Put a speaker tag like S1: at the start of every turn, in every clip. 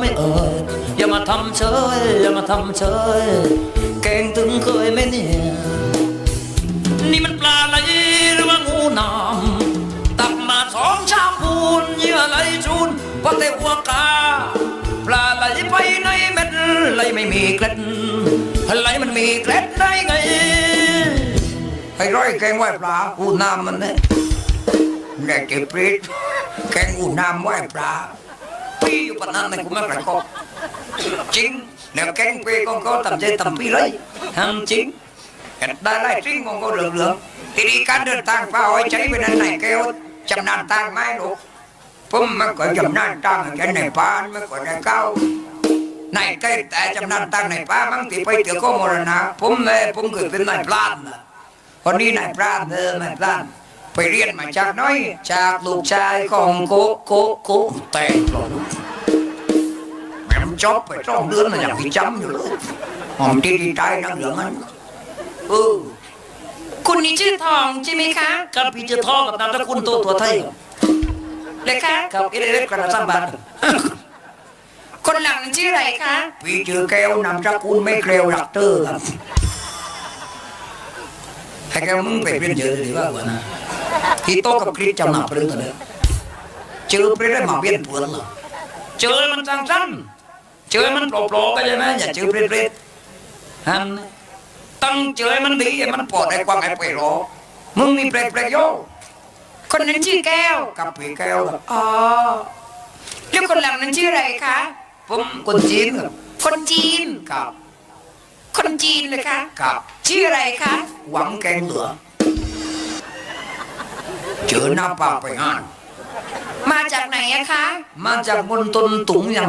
S1: ไม่อย่ามาทำเฉยอย่ามาทำเฉยแกงถึงเคยไหมเนี่ยนี่มันปลาไหลหรือว่างูหนามตักมา2 ชามพูนเยื่อไหลจูนพอแต่หัวกาปลาไหลไปในเม็ดไหลไม่มีเกล็ดไหลมันมีเกล็ดได้ไงให้ร้อยแกงไหวปลาอูน้ำมันเนี่ยแดกเก็บปรีดแกงอูน้ำไหวปลาพี่อยู่ปนนั้นในกูไม่กระกอบจริงแล้วแกงเปย์ของเขาทำใจทำพี่เลยทำจริงได้ไล่จริงของเขาเหลืองๆทีนี้การเดินทางฟ้าอ้อยใช้ไปนั้นไหนแก้วจำนานทางไหมลูกผมมันก็จำนานทางแค่ในป่านมันก็ได้เก้าในใกล้แต่จำนานทางในป่าบางทีไปเจอข้อมรณะผมเคยเป็นนายพลานคนนี้นายพลานนายพลานไปเรียนมาจากน้อยจากลูกชายของโกแต่งหล่อแม่จบไป2 เดือนมันยังพิจำอยู่เลยหอมที่ดีใจนั่งเหลืองมัน
S2: คุณนี่ชื่อทองใช่ไหมคะ
S1: กับพี่ชื่อทองกับนามสกุลตัวไทย
S2: เลยคะ
S1: กับเอเล็กกระสับบาท
S2: คนหลังชื่ออะไรคะ
S1: พี่ชื่อแก้วนามสกุลไม่เกลียวรักเตอร์ครับให้แกมึงไปเรียนเยอะดีว่านะที่โตกับคริสจำหนักเรื่องอะไรเจอไปได้มาเปลี่ยนเพื่อนเหรอเจอมันสั้นเจอมันโปร่งๆก็ใช่ไหมอย่าเจอเปรี้ยๆฮันตั้งเจอมันดีมันปลอดไอ้ความไอ้ไปรอมึงมีเปรี้ยๆโย
S2: คนนั้นชื่อแก้ว
S1: กับพี่แก้ว
S2: อ๋อแล้วคนหลังนั้นชื่ออะไรคะ
S1: ผมคนจีนครับ
S2: คนจีน
S1: ครับ
S2: คนจีนเลยคะ
S1: ครับ
S2: ชื่ออะไรคะ
S1: หวังแกงเหลือเจอหน้าป่าไปงาน
S2: มาจากไหนอะคะ
S1: มาจากบนต้นตุงยัง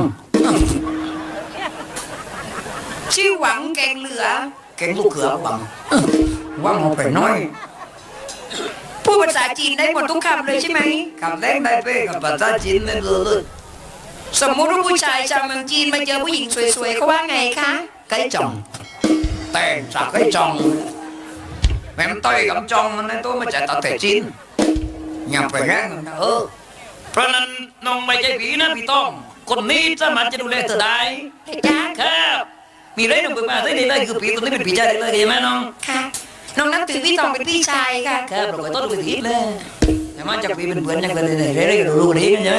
S2: ชื่อหวังแกงเหลือ
S1: แกงลูกเขือหวังเอาไปน้อย
S2: พูดภาษาจีนได้หมดทุกคำเลยใช่ไหม
S1: คำแรกได้เป้กับภาษาจีนไม่รู้เลย
S2: สมมุติว่าผู้ชายชาวเมืองจีนมาเจอผู้หญิงสวยๆเขาว่าไงคะ
S1: ไก่จ่องแต่สักไก่จ่องแม่มันต่อยกับจ่องมันในตัวมันจะตัดแต่จีนอย่าไปแรงนะเพราะนั้นน้องไม่ใช่ผีนะพี่ต้องคนนี้สามารถจะดูแลเธอได้
S2: จ้า
S1: ครับมีเรื่องหนึ่งมาได้เลยคือผีตัวนี้เป็นผีชายเลยใช่ไหมน้อง
S2: ค่ะน้องนับถือพี่ตองเป็นพี่ชายค่ะ
S1: ครับเราก็ต้องดูผีเลยแต่มันจะผีเป็นเพื่อนยังไงเลยเรื่องๆรู้ดีกันใช่ไหม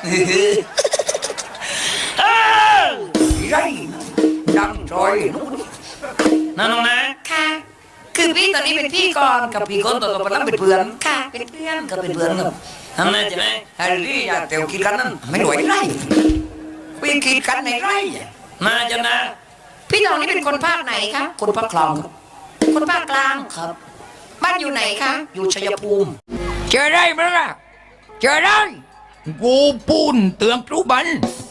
S1: ไรดังจอยนั่นน้องนะ
S2: ค่ะคือพี่ตอนนี้เป็นพี่ก่อน
S1: กับพี่ก่อนต่อไปแล้วเป็นเพื่อน
S2: ค่ะเป็นเพื่อน
S1: ก็เป็นเพื่อนครับทำไมใช่ไหมไอ้ที่อยากเตียวคิดกันนั้นไม่หน่วยไรพี่คิดกันในไรน่าจะนะ
S2: พี่ตองนี่เป็นคนภาคไหนคะ
S1: คนภาคกลาง
S2: คนภาคกลาง
S1: ครับ
S2: บ้านอยู่ไหนคะ
S1: อยู่ชัยภูมิเจอได้ไหมล่ะเจอได้กูปูนเตืองครูบัน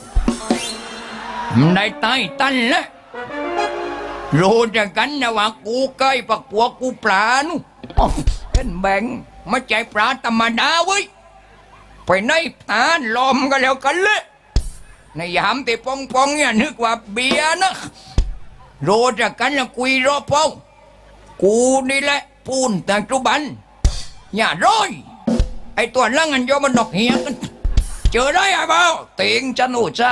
S1: ได้ใต้ตันแล้วรู้จักกันนะว่ากูใกล้ปักปัวกูปลาหนูเป็นแบ่งมาใจปลาธรรมดาเว้ยไปในตาลมกันแล้วกันเลยในยามที่ปองเนี่ยนึกว่าเบียนะรู้จักกันนะคุยรอปองกูนี่แหละปูนแต่จุบันอย่าร้อยไอตัวลังอันโยมันดอกเหี้ยกันเจอได้ไอ้บ่าวเตียงจันโอจ้า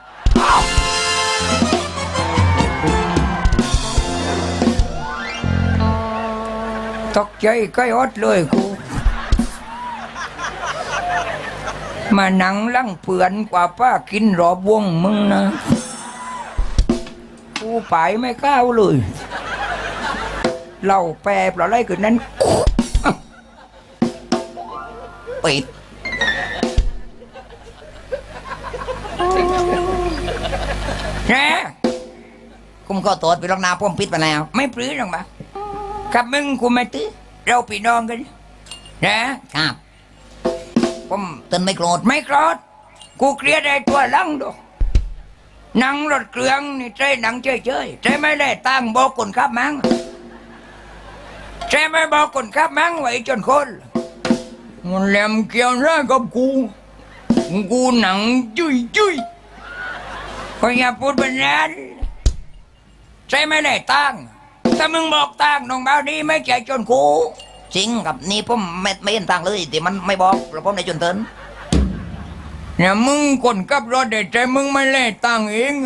S1: ตกใจใกล้อดเลยกูมานั่งลังเปื่อนกว่าป้ากินรอบวงมึงนะกูไปไม่ก้าวเลยเล่าแปรเปล่าอะไรคือนั้นปิดนะคุมข้อตรวจไปลองนาพ่มปิดไปแล้วไม่ปลื้มหรอกมั้งกับมึงกูไม่ตื้อเราพี่น้องกันนะครับผมตื่นไม่โกรธกูเครียดไอ้ตัวลังดูนั่งรถเครื่องนี่ใจหนังเฉยใจไม่ได้ตั้งบอกคนขับมั้งใจไม่บอกคนขับมั้งไว้จนคนมันแหลมเกี่ยวร้ายกับกูหนังจุยก็อย่าพูดแบบนั้นใจไม่ได้ตั้งถ้ามึงบอกตั้งน้องบ่าวนี้ไม่ใจจนกูจริงกับนี่ผมไม่เห็นตั้งเลยแต่มันไม่บอกแล้วผมได้จนเติน
S3: เนี่ยมึงคนขับรถเด็ดใจมึงไม่เล่ตังค์เอง